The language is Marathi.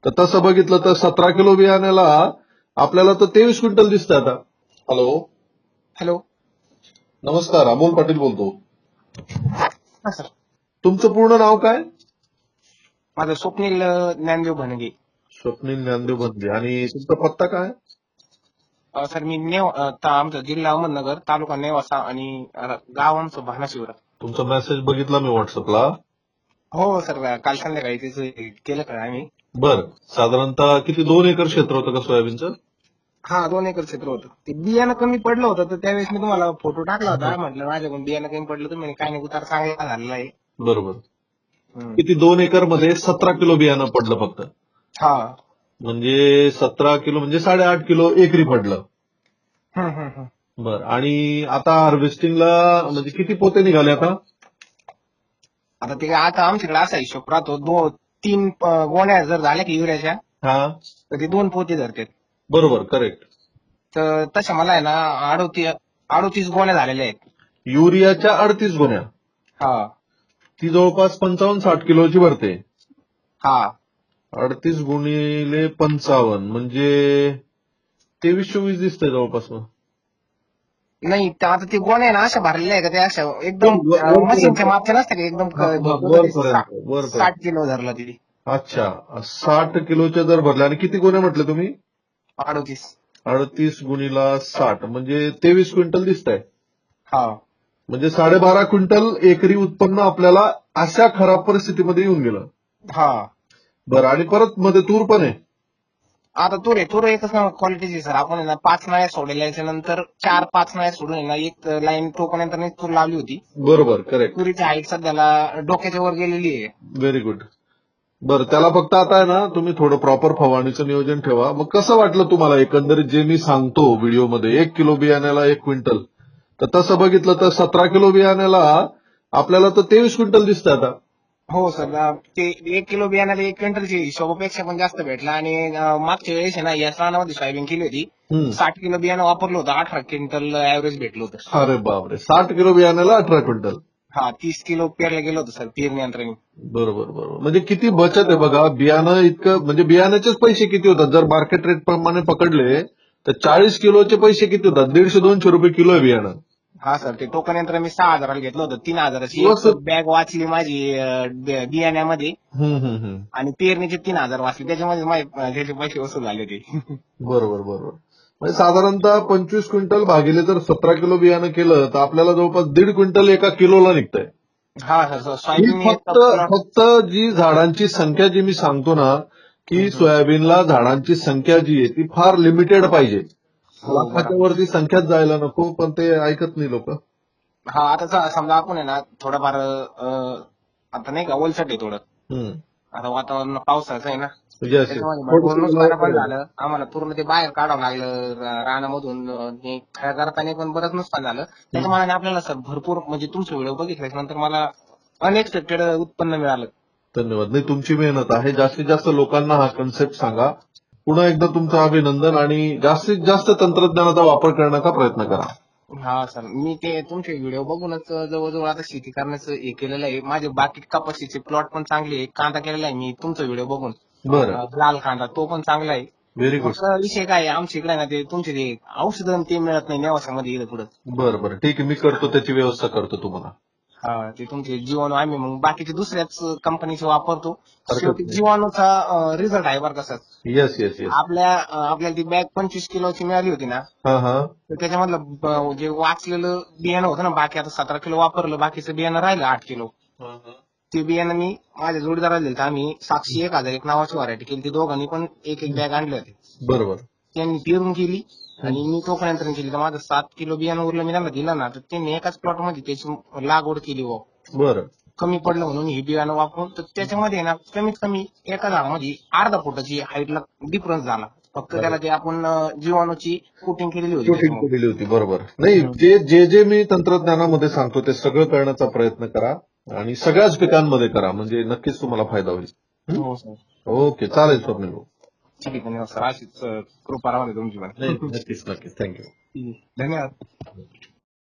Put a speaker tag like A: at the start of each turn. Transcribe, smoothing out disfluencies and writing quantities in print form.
A: तर तसं बघितलं तर 17 किलो बियाण्याला आपल्याला तर 23 क्विंटल दिसतं आता. Hello,
B: hello.
A: नमस्कार, अमोल पाटील बोलतो.
B: हा सर.
A: तुमचं पूर्ण नाव काय?
B: माझं स्वप्नील ज्ञानदेव भनगे.
A: स्वप्नील ज्ञानदेव बंदे. आणि तुमचा पत्ता काय?
B: सर मी आमचा जिल्हा अहमदनगर, तालुका नेवासा आणि गाव आमचं भानाशिवरा.
A: तुमचा मेसेज बघितला मी व्हॉट्सअपला.
B: हो सर, काल संध्याकाळी त्याचं केलं का आम्ही.
A: बर, साधारणतः किती 2 एकर क्षेत्र होतं का सोयाबीनचं?
B: हा, 2 एकर क्षेत्र होतं. ते बियाणं कमी पडलं होतं, तर त्यावेळेस मी तुम्हाला फोटो टाकला होता. म्हटलं माझ्याकडून बियाणं कमी पडलं, तुम्ही काय नाही, उतार चांगला झालेला आहे.
A: बरोबर. किती 2 एकर मध्ये 17 किलो बियाणं पडलं फक्त.
B: हा.
A: म्हणजे 17 किलो म्हणजे 8.5 किलो एकरी पडलं.
B: हम्म.
A: बर, आणि आता हार्वेस्टिंगला म्हणजे किती पोते निघाले आता?
B: आता आमच्याकडे असा हिशोब राहतो, 3 गोण्या जर झाल्या की युरियाच्या,
A: हा,
B: तर ते 2 पोते धरतात.
A: बरोबर, करेक्ट.
B: तर तशा मला आहे ना 38 गोण्या झालेल्या आहेत.
A: युरियाच्या 38 गोण्या.
B: हा.
A: ती जवळपास 55-60 किलोची भरते.
B: हा.
A: 38 गुणिले 55 म्हणजे 23-24 दिसतंय जवळपास. मग
B: नाही, आता ती गोण्या आहे ना अशा भरलेल्या आहे का, त्या अशा एकदम मशीनच्या मापच्या नसते का, एकदम
A: वरपर्यंत
B: 60 किलो धरला ती.
A: अच्छा, 60 किलोच्या जर भरल्या. आणि किती गोण्या म्हटलं तुम्ही?
B: 38.
A: 38 गुणिला 60 म्हणजे 23 क्विंटल दिसतंय.
B: हा.
A: म्हणजे 12.5 क्विंटल एकरी उत्पन्न आपल्याला अशा खराब परिस्थितीमध्ये येऊन गेलं.
B: हा.
A: बरं, आणि परत मध्ये तूर पण आहे.
B: आता तूर एकच क्वालिटीची सर. आपण आहे ना 5 नळ्या सोडल्याच्या नंतर 4-5 नळ्या सोडून आहे ना एक लाईन टोकण्यानंतर तूर लावली होती.
A: बरोबर, करेक्ट.
B: तुरीची हाईट सध्याला डोक्याच्या वर गेलेली आहे.
A: Very good. बरं, त्याला फक्त आता आहे ना तुम्ही थोडं प्रॉपर फवारणीचं नियोजन ठेवा. मग कसं वाटलं तुम्हाला एकंदरीत जे मी सांगतो व्हिडिओमध्ये, 1 किलो बियाण्याला 1 क्विंटल, तर तसं बघितलं तर 17 किलो बियाण्याला आपल्याला तर 23 क्विंटल दिसतं आता.
B: हो सर, ते 1 किलो बियाण्याला 1 क्विंटलची हिशोबापेक्षा पण जास्त भेटला. आणि मागच्या वेळेस आहे ना या रानामध्ये सोयाबीन केली होती, 60 किलो बियाणं वापरलं होतं, 18 क्विंटल ऍव्हरेज भेटलं होतं.
A: अरे बापरे, 60 किलो बियाण्याला 18 क्विंटल.
B: हा, 30 किलो पेरलं गेलं होतं सर पेरणी यंत्राने.
A: बरोबर बरोबर. म्हणजे किती बचत आहे बघा. बियाणं इतकं म्हणजे बियाण्याचेच पैसे किती होतात जर मार्केट रेट प्रमाणे पकडले तर 40 किलोचे पैसे किती होतात? 150-200 रुपये किलो आहे बियाणं.
B: हा सर, ते टोकन यंत्र मी 6,000ला घेतलं होतं. 3,000ची एक बॅग वाचली माझी बियाण्यामध्ये, आणि पेरणीचे 3,000 वाचले. त्याच्यामध्ये त्याचे पैसे वसूल झाले होते.
A: बरोबर बरोबर. म्हणजे साधारणतः 25 क्विंटल भागिले जर 17 किलो बियाणं केलं तर आपल्याला जवळपास 1.5 क्विंटल एका किलोला निघतंय.
B: हा सर,
A: ही
B: सोयाबीन
A: फक्त जी झाडांची संख्या जी मी सांगतो ना, की सोयाबीनला झाडांची संख्या जी आहे ती फार लिमिटेड पाहिजे. लाखाच्या वरती संख्याच जायला नको, पण ते ऐकत नाही लोक.
B: हा, आता समजा आपण आहे ना थोडंफार आता नाही का ओलसट आहे थोडं. आता वातावरण पावसाचं आहे ना, त्याच्यामध्ये भरपूर नुकसान पण झालं. आम्हाला पूर्ण ते बाहेर काढावं लागलं रानामधून. खऱ्या करताना पण बरंच नुकसान झालं. त्याच्यामुळे आपल्याला सर भरपूर म्हणजे तुमचे व्हिडिओ बघितल्यानंतर मला अनएक्सपेक्टेड उत्पन्न मिळालं.
A: धन्यवाद. नाही, तुमची मेहनत आहे. जास्तीत जास्त लोकांना हा कन्सेप्ट सांगा. पुन्हा एकदा तुमचं अभिनंदन, आणि जास्तीत जास्त तंत्रज्ञानाचा वापर करण्याचा प्रयत्न करा.
B: हा सर, मी ते तुमचे व्हिडिओ बघूनच जवळजवळ आता शेती करण्याचं हे केलेलं आहे. माझे बाकी कपाशीचे प्लॉट पण चांगले आहे. कांदा केलेला आहे मी तुमचा व्हिडिओ बघून.
A: बरं,
B: लाल कांदा तो पण चांगला आहे.
A: Very good.
B: फक्त विषय काय आहे, आमच्या इकडे ना ते तुमचे ते औषधं ते मिळत नाही नेवासामध्ये इकडे पुढं.
A: बरं बरं, ठीक आहे, मी करतो, त्याची व्यवस्था करतो तुम्हाला.
B: हा, ते तुमचे जीवाणू आम्ही मग बाकीचे दुसऱ्याच कंपनीचे वापरतो.
A: हरकत
B: शेवटी
A: नाही.
B: जीवाणूचा रिझल्ट आहे बरं का सर.
A: Yes yes yes.
B: आपल्याला ती बॅग 25 किलोची मिळाली होती ना,
A: हा हा.
B: तर त्याच्यामधलं जे वाचलेलं बियाणं होतं ना, बाकी आता 17 किलो वापरलं, बाकीचं बियाणं राहिलं 8 किलो. ते बियाणं मी माझ्या जोडीदाराला दिलं. आम्ही 701,001 नावाची व्हरायटी केली. ती दोघांनी पण एक बॅग आणले होते.
A: बरोबर.
B: त्यांनी पेरून केली आणि मी टोकनयंत्राने केली. तर माझं 7 किलो बियाणं उरलं, मी त्यांना दिलं ना, तर त्यांनी एकाच प्लॉटमध्ये त्याची लागवड केली.
A: बरं.
B: कमी पडलं म्हणून ही बियाणं वापरून, तर त्याच्यामध्ये ना कमीत कमी एका झाडामध्ये अर्धा फुटाची हाईटला डिफरन्स झाला. फक्त त्याला ते आपण जीवाणूची कोटिंग केलेली होती.
A: शूटिंग केलेली होती. बरोबर. नाही, जे मी तंत्रज्ञानामध्ये सांगतो ते सगळं करण्याचा प्रयत्न करा, आणि सगळ्याच पिकांमध्ये करा, म्हणजे नक्कीच तुम्हाला फायदा होईल.
B: हो सर.
A: ओके, चालेल स्वप्नील.
B: ठीक आहे, धन्यवाद सर. अशीच कृपा राहू दे तुमची पण.
A: नाही, नक्कीच नक्कीच. थँक्यू.
B: धन्यवाद.